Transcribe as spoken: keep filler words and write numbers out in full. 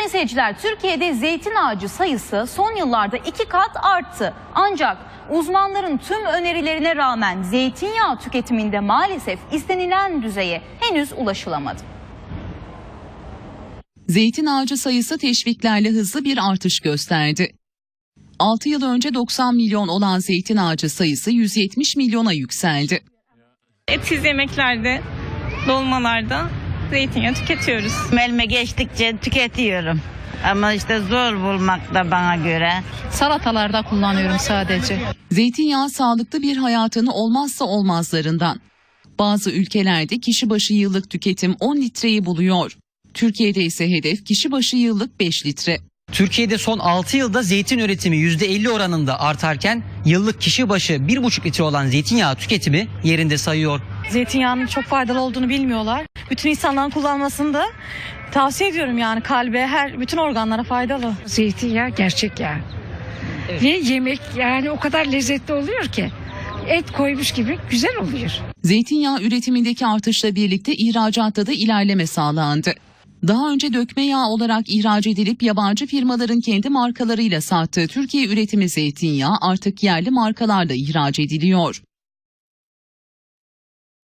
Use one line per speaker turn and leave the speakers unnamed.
Sayın seyirciler, Türkiye'de zeytin ağacı sayısı son yıllarda iki kat arttı. Ancak uzmanların tüm önerilerine rağmen zeytinyağı tüketiminde maalesef istenilen düzeye henüz ulaşılamadı.
Zeytin ağacı sayısı teşviklerle hızlı bir artış gösterdi. altı yıl önce doksan milyon olan zeytin ağacı sayısı yüz yetmiş milyona yükseldi.
Etsiz yemeklerde, dolmalarda zeytinyağı tüketiyoruz.
Elime geçtikçe tüketiyorum. Ama işte zor bulmak da bana göre.
Salatalarda kullanıyorum sadece.
Zeytinyağı sağlıklı bir hayatın olmazsa olmazlarından. Bazı ülkelerde kişi başı yıllık tüketim on litreyi buluyor. Türkiye'de ise hedef kişi başı yıllık beş litre.
Türkiye'de son altı yılda zeytin üretimi yüzde elli oranında artarken yıllık kişi başı bir buçuk litre olan zeytinyağı tüketimi yerinde sayıyor.
Zeytinyağının çok faydalı olduğunu bilmiyorlar. Bütün insanların kullanmasını da tavsiye ediyorum, yani kalbe, her bütün organlara faydalı.
Zeytinyağı gerçek yağ. Evet. Ve yemek yani o kadar lezzetli oluyor ki et koymuş gibi güzel oluyor.
Zeytinyağı üretimindeki artışla birlikte ihracatta da ilerleme sağlandı. Daha önce dökme yağı olarak ihraç edilip yabancı firmaların kendi markalarıyla sattığı Türkiye üretimi zeytinyağı artık yerli markalarla ihraç ediliyor.